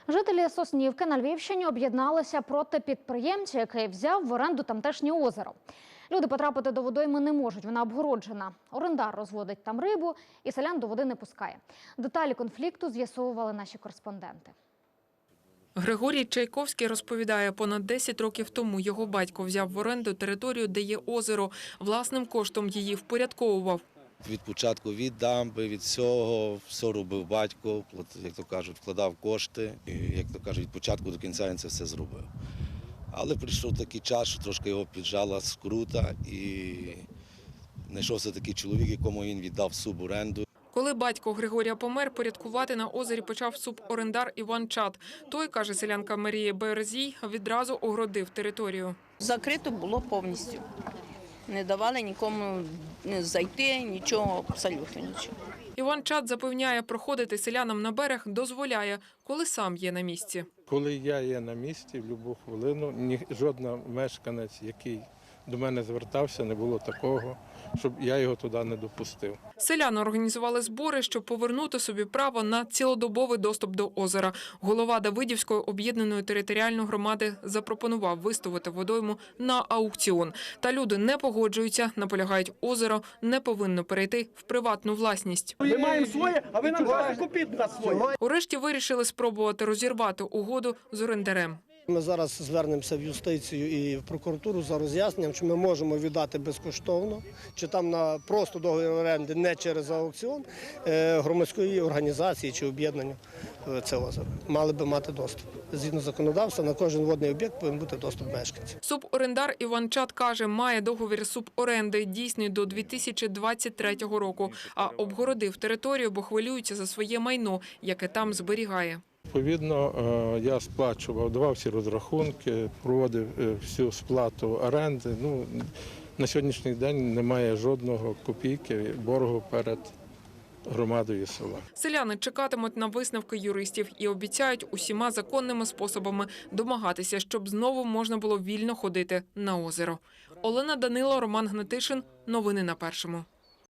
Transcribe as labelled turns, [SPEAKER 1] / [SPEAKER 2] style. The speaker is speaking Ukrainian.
[SPEAKER 1] Жителі Соснівки на Львівщині об'єдналися проти підприємця, який взяв в оренду тамтешнє озеро. Люди потрапити до водойми не можуть, вона обгороджена. Орендар розводить там рибу і селян до води не пускає. Деталі конфлікту з'ясовували наші кореспонденти.
[SPEAKER 2] Григорій Чайковський розповідає, понад 10 років тому його батько взяв в оренду територію, де є озеро. Власним коштом її впорядковував.
[SPEAKER 3] Від початку, від дамби, від всього, все робив батько, як то кажуть, вкладав кошти. І, як то кажуть, від початку до кінця він це все зробив. Але прийшов такий час, що трошки його піджала скрута і знайшовся такий чоловік, якому він віддав суборенду.
[SPEAKER 2] Коли батько Григорія помер, порядкувати на озері почав суборендар Іван Чат. Той, каже селянка Марія Березій, відразу огородив територію.
[SPEAKER 4] Закрито було повністю. Не давали нікому зайти, нічого, абсолютно нічого.
[SPEAKER 2] Іван Чат запевняє, проходити селянам на берег дозволяє, коли сам є на місці.
[SPEAKER 5] Коли я є на місці, в будь-яку хвилину, жоден мешканець, який до мене звертався, не було такого, щоб я його туди не допустив.
[SPEAKER 2] Селяни організували збори, щоб повернути собі право на цілодобовий доступ до озера. Голова Давидівської об'єднаної територіальної громади запропонував виставити водойму на аукціон. Та люди не погоджуються, наполягають, озеро не повинно перейти в приватну власність.
[SPEAKER 6] Ми маємо своє, а ви нам кажете, купіть на своє.
[SPEAKER 2] Урешті вирішили спробувати розірвати угоду з орендарем.
[SPEAKER 7] Ми зараз звернемося в юстицію і в прокуратуру за роз'ясненням, чи ми можемо віддати безкоштовно, чи там на просто договір оренди, не через аукціон, громадської організації чи об'єднання це озеро. Мали би мати доступ. Згідно законодавства, на кожен водний об'єкт повинен бути доступ мешканців.
[SPEAKER 2] Суборендар Іван Чат каже, має договір суборенди, дійсний до 2023 року, а обгородив територію, бо хвилюється за своє майно, яке там зберігає.
[SPEAKER 5] Відповідно, я сплачував, давав всі розрахунки, проводив всю сплату оренди. На сьогоднішній день немає жодного копійки боргу перед громадою села.
[SPEAKER 2] Селяни чекатимуть на висновки юристів і обіцяють усіма законними способами домагатися, щоб знову можна було вільно ходити на озеро. Олена Данило, Роман Гнатишин. Новини на Першому.